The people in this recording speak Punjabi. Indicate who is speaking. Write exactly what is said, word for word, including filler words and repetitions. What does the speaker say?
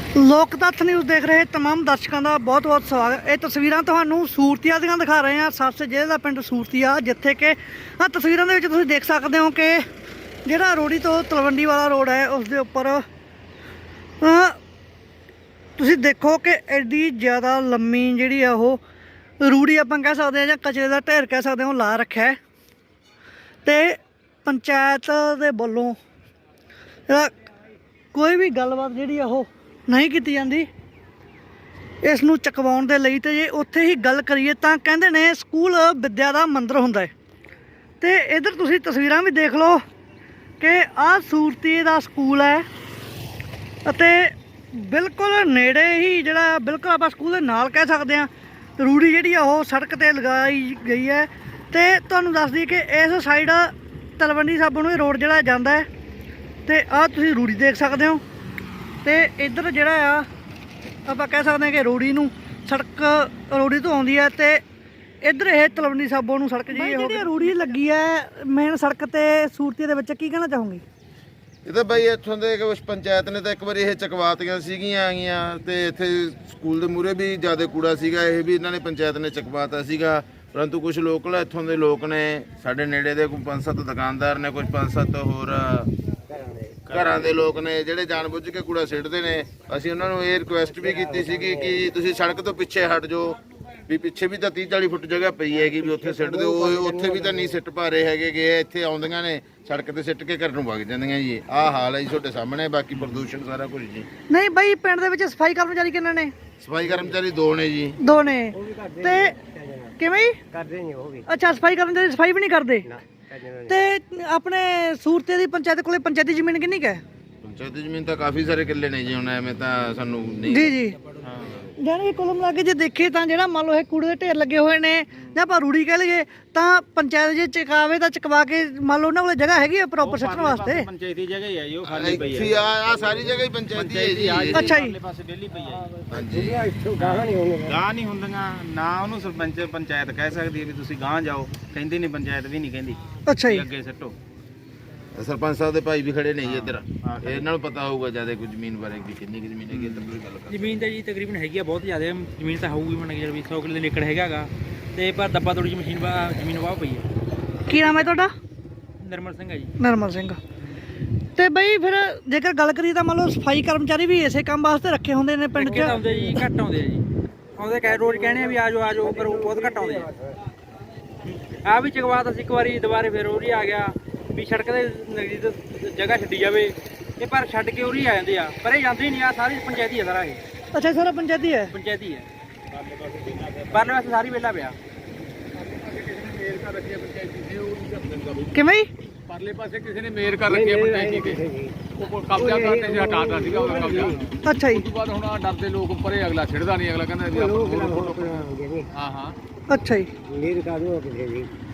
Speaker 1: ਲੋਕ ਤੱਥ ਨਿਊਜ਼ ਦੇਖ ਰਹੇ तमाम ਦਰਸ਼ਕਾਂ ਦਾ ਬਹੁਤ ਬਹੁਤ ਸਵਾਗਤ। ਇਹ ਤਸਵੀਰਾਂ ਤੁਹਾਨੂੰ ਸੂਰਤੀਆ ਦੀਆਂ ਦਿਖਾ ਰਹੇ ਹਾਂ। ਸਬਸੇ ਜ਼ਿਲ੍ਹੇ ਦਾ ਪਿੰਡ ਸੂਰਤੀਆ, ਜਿੱਥੇ ਕਿ ਆ ਤਸਵੀਰਾਂ ਦੇ ਵਿੱਚ ਤੁਸੀਂ ਦੇਖ ਸਕਦੇ ਹੋ ਕਿ ਜਿਹੜਾ ਰੋੜੀ ਤੋਂ ਤਲਵੰਡੀ ਵਾਲਾ ਰੋਡ ਹੈ ਉਸ ਦੇ ਉੱਪਰ ਤੁਸੀਂ ਦੇਖੋ ਕਿ ਐਡੀ ਜ਼ਿਆਦਾ ਲੰਮੀ ਜਿਹੜੀ ਆ ਉਹ ਰੂੜੀ ਆਪਾਂ ਕਹਿ ਸਕਦੇ ਹਾਂ ਜਾਂ ਕਚਰੇ ਦਾ ਢੇਰ ਕਹਿ ਸਕਦੇ ਹਾਂ, ਉਹ ਲਾ ਰੱਖਿਆ ਹੈ। ਤੇ ਪੰਚਾਇਤ ਦੇ ਵੱਲੋਂ ਜਿਹੜਾ ਕੋਈ ਵੀ ਗੱਲਬਾਤ ਜਿਹੜੀ ਆ ਉਹ नहीं की जाती इस नूं चकवाउण दे लई। ते जे उत्थे ही गल करिए तां कहंदे ने स्कूल विद्या दा मंदिर हुंदा है। ते इधर तुसीं तस्वीरां भी देख लो कि आ सूरती दा स्कूल है अते बिल्कुल नेड़े ही जिहड़ा बिल्कुल आपां स्कूल दे नाल कह सकदे हां रूड़ी जिहड़ी आ ओह सड़क ते लगाई गई है। ते तुहानूं दस दईए कि इस साइड तलवंडी साबो नूं रोड जिहड़ा जांदा है ते आ तुसीं रूड़ी देख सकदे हो। ਤੇ ਇੱਧਰ ਜਿਹੜਾ ਆ ਆਪਾਂ ਕਹਿ ਸਕਦੇ ਹਾਂ ਕਿ ਰੋੜੀ ਨੂੰ ਸੜਕ ਰੋੜੀ ਤੋਂ ਆਉਂਦੀ ਹੈ ਤੇ ਇੱਧਰ ਇਹ ਤਲਵੰਡੀ ਸਾਬੋ ਨੂੰ ਸੜਕ ਜਿਹੜੀ ਰੋੜੀ ਲੱਗੀ ਹੈ ਮੇਨ ਸੜਕ ਤੇ ਸੂਰਤੀ ਦੇ ਵਿੱਚ, ਕੀ ਕਹਿਣਾ ਚਾਹੋਗੇ?
Speaker 2: ਇਹ ਤਾਂ ਬਾਈ ਇੱਥੋਂ ਦੇ ਕੁਛ ਪੰਚਾਇਤ ਨੇ ਤਾਂ ਇੱਕ ਵਾਰੀ ਇਹ ਚਕਵਾਤੀਆਂ ਸੀਗੀਆਂ ਆਗੀਆਂ ਤੇ ਇੱਥੇ ਸਕੂਲ ਦੇ ਮੂਹਰੇ ਵੀ ਜ਼ਿਆਦਾ ਕੂੜਾ ਸੀਗਾ, ਇਹ ਵੀ ਇਹਨਾਂ ਨੇ ਪੰਚਾਇਤ ਨੇ ਚਕਵਾਤਾ ਸੀਗਾ। ਪਰੰਤੂ ਕੁਝ ਲੋਕਲ ਇੱਥੋਂ ਦੇ ਲੋਕ ਨੇ, ਸਾਡੇ ਨੇੜੇ ਦੇ ਕੋਈ ਪੰਜ ਸੱਤ ਦੁਕਾਨਦਾਰ ਨੇ, ਕੁਝ ਪੰਜ ਸੱਤ ਹੋਰ ਘਰਾਂ ਦੇ ਲੋਕ ਨੇ ਜਿਹੜੇ ਜਾਣਬੁੱਝ ਕੇ ਕੂੜਾ ਸਿੱਟਦੇ ਨੇ। ਅਸੀਂ ਉਹਨਾਂ ਨੂੰ ਇਹ ਰਿਕੁਐਸਟ ਵੀ ਕੀਤੀ ਸੀਗੀ ਕਿ ਤੁਸੀਂ ਸੜਕ ਤੋਂ ਪਿੱਛੇ ਹਟ ਜਾਓ, ਵੀ ਪਿੱਛੇ ਵੀ ਤਾਂ ਤੀਹ ਚਾਲੀ ਫੁੱਟ ਜਗ੍ਹਾ ਪਈ ਹੈਗੀ, ਵੀ ਉੱਥੇ ਸਿੱਟ ਦਿਓ। ਉੱਥੇ ਵੀ ਤਾਂ ਨਹੀਂ ਸਿੱਟ ਪਾ ਰਹੇ ਹੈਗੇ ਕਿ ਇੱਥੇ ਆਉਂਦੀਆਂ ਨੇ ਸੜਕ ਤੇ ਸਿੱਟ ਕੇ ਘਰ ਨੂੰ ਵਗ ਜਾਂਦੀਆਂ ਜੀ। ਆਹ ਹਾਲ ਹੈ ਜੀ ਤੁਹਾਡੇ ਸਾਹਮਣੇ। ਬਾਕੀ ਪ੍ਰਦੂਸ਼ਣ ਸਾਰਾ ਕੁਝ ਜੀ।
Speaker 1: ਨਹੀਂ ਬਾਈ, ਪਿੰਡ ਦੇ ਵਿੱਚ ਸਫਾਈ ਕਰਮਚਾਰੀ ਕਿੰਨੇ ਨੇ?
Speaker 2: ਸਫਾਈ ਕਰਮਚਾਰੀ ਦੋ ਨੇ ਜੀ।
Speaker 1: ਦੋ ਨੇ। ਤੇ ਕਿਵੇਂ ਜੀ ਕਰਦੇ ਨਹੀਂ ਉਹ ਵੀ? ਅੱਛਾ, ਸਫਾਈ ਕਰਮਚਾਰੀ ਸਫਾਈ ਵੀ ਨਹੀਂ ਕਰਦੇ। ਤੇ ਆਪਣੇ ਸੂਰਤੇ ਦੀ ਪੰਚਾਇਤ ਕੋਲੇ ਪੰਚਾਇਤੀ ਜ਼ਮੀਨ ਕਿੰਨੀ ਕੁ ਹੈ?
Speaker 2: ਪੰਚਾਇਤੀ ਜ਼ਮੀਨ ਤਾਂ ਕਾਫੀ ਸਾਰੇ ਕਿੱਲੇ ਨੇ ਜੀ। ਹੁਣ ਐਵੇਂ ਤਾਂ ਸਾਨੂੰ ਨਹੀਂ
Speaker 1: ਜੀ ਜੀ ਜਾਨੀ ਕੁੱਲ ਲਾ ਕੇ ਜੇ ਦੇਖੇ ਤਾਂ ਜਿਹੜਾ ਮੰਨ ਲਓ ਇਹ ਕੂੜੇ ਦੇ ਢੇਰ ਲੱਗੇ ਹੋਏ ਨੇ ਜਾਂ ਆਪਾਂ ਰੂੜੀ ਕਹਿ ਲਈਏ ਤਾਂ ਪੰਚਾਇਤ ਜੇ ਚਕਾਵੇ ਤਾਂ ਚਕਵਾ ਕੇ ਮੰਨ ਲਓ ਉਹਨਾਂ ਕੋਲ ਜਗ੍ਹਾ ਹੈਗੀ ਆ ਪ੍ਰੋਪਰ ਸਿੱਟਣ ਵਾਸਤੇ।
Speaker 3: ਪੰਚਾਇਤੀ ਜਗ੍ਹਾ ਹੀ ਹੈ ਜੀ, ਉਹ ਖਾਲੀ ਪਈ ਹੈ।
Speaker 2: ਆ ਸਾਰੀ ਜਗ੍ਹਾ ਹੀ ਪੰਚਾਇਤੀ ਹੈ ਜੀ।
Speaker 1: ਅੱਛਾ ਜੀ,
Speaker 3: ਪਾਸੇ ਵਿਹਲੀ ਪਈ ਹੈ।
Speaker 2: ਹਾਂਜੀ,
Speaker 3: ਗਾਂ ਨਹੀਂ ਹੁੰਦੀਆਂ ਨਾ, ਉਹਨੂੰ ਸਰਪੰਚ ਪੰਚਾਇਤ ਕਹਿ ਸਕਦੀ ਹੈ ਵੀ ਤੁਸੀਂ ਗਾਂ ਜਾਓ, ਕਹਿੰਦੀ ਨਹੀਂ, ਪੰਚਾਇਤ ਵੀ ਨਹੀਂ ਕਹਿੰਦੀ
Speaker 1: ਅੱਛਾ ਜੀ
Speaker 3: ਅੱਗੇ ਸਿੱਟੋ।
Speaker 2: ਸਰਪੰਚ ਸਾਹਿਬ ਦੇ ਭਾਈ ਵੀ ਖੜੇ ਨੇ ਜੀ ਇੱਧਰ, ਇਹਨਾਂ ਨੂੰ ਪਤਾ ਹੋਊਗਾ ਜਿਆਦਾ ਕੋਈ ਜ਼ਮੀਨ ਬਾਰੇ ਵੀ ਕਿੰਨੀ ਕੁ ਜ਼ਮੀਨ ਹੈਗੀ ਇੱਧਰ ਕੋਈ ਗੱਲ ਕਰ।
Speaker 3: ਜ਼ਮੀਨ ਤਾਂ ਜੀ ਤਕਰੀਬਨ ਹੈਗੀ ਆ ਬਹੁਤ ਜ਼ਿਆਦਾ, ਜ਼ਮੀਨ ਤਾਂ ਹੋਊਗੀ ਮੰਨ ਕੇ ਵੀ ਸੌ ਕਿੱਲੇ ਦੇ ਏਕੜ ਹੈਗਾਗਾ ਤੇ ਪਰ ਦੱਬਾ ਤੋੜੀ ਮਸ਼ੀਨ ਵਾ ਜ਼ਮੀਨ ਵਾਹ ਪਈ ਹੈ।
Speaker 1: ਕੀ ਨਾਮ ਹੈ ਤੁਹਾਡਾ?
Speaker 3: ਨਿਰਮਲ ਸਿੰਘ ਹੈ ਜੀ।
Speaker 1: ਨਿਰਮਲ ਸਿੰਘ। ਤੇ ਬਈ ਫਿਰ ਜੇਕਰ ਗੱਲ ਕਰੀਏ ਤਾਂ ਮੰਨ ਲਓ ਸਫਾਈ ਕਰਮਚਾਰੀ ਵੀ ਇਸੇ ਕੰਮ ਵਾਸਤੇ ਰੱਖੇ ਹੁੰਦੇ ਨੇ ਪਿੰਡ 'ਚ?
Speaker 3: ਆਉਂਦੇ ਜੀ, ਘੱਟ ਆਉਂਦੇ ਆ ਜੀ। ਆਉਂਦੇ ਕਹਿ ਰੋਜ਼ ਕਹਿੰਦੇ ਆ ਵੀ ਆ ਜਾਓ ਆ ਜਾਓ, ਪਰ ਉਹ ਬਹੁਤ ਘੱਟ ਆਉਂਦੇ ਆ। ਆ ਵੀ ਚਕਵਾਤ ਅਸੀਂ ਇੱਕ ਵਾਰੀ ਦੁਬਾਰੇ ਫਿਰ ਉਹ ਹੀ ਆ ਗਿਆ ਵੀ ਸੜਕ ਦੇ ਨਜ਼ਦੀਕ ਜਗ੍ਹਾ ਛੱਡੀ ਜਾਵੇ, ਇਹ ਪਰ ਛੱਡ ਕੇ ਉਰੀ ਆ ਜਾਂਦੇ ਆ, ਪਰ ਇਹ ਜਾਂਦੇ ਹੀ ਨਹੀਂ। ਆ ਸਾਰੀ ਪੰਚਾਇਤੀ ਹੈ ਸਾਰਾ ਇਹ।
Speaker 1: ਅੱਛਾ, ਸਾਰਾ ਪੰਚਾਇਤੀ ਹੈ?
Speaker 3: ਪੰਚਾਇਤੀ ਹੈ। ਪਰਲੇ ਪਾਸੇ ਸਾਰੀ ਵਿਹਲਾ ਪਿਆ।
Speaker 1: ਕਿਵੇਂ ਜੀ?
Speaker 4: ਪਰਲੇ ਪਾਸੇ ਕਿਸੇ ਨੇ ਮੇਰ ਕਰ ਰੱਖੀ ਹੈ ਪੰਚਾਇਤੀ ਤੇ, ਉਹ ਕਬਜ਼ਾ ਕਰਨੇ ਸੀ, ਹਟਾਤਾ ਸੀਗਾ ਉਹਦਾ ਕਬਜ਼ਾ।
Speaker 1: ਅੱਛਾ ਜੀ।
Speaker 4: ਉਸ ਤੋਂ ਬਾਅਦ ਹੁਣ ਆ ਡਰਦੇ ਲੋਕ ਪਰੇ, ਅਗਲਾ ਛਿੜਦਾ ਨਹੀਂ, ਅਗਲਾ ਕਹਿੰਦਾ ਵੀ ਆਪਾਂ ਹਾਂ ਹਾਂ।
Speaker 1: ਅੱਛਾ ਜੀ।
Speaker 5: ਮੇਰ ਕਰ ਦੋ ਕਿਸੇ ਦੀ।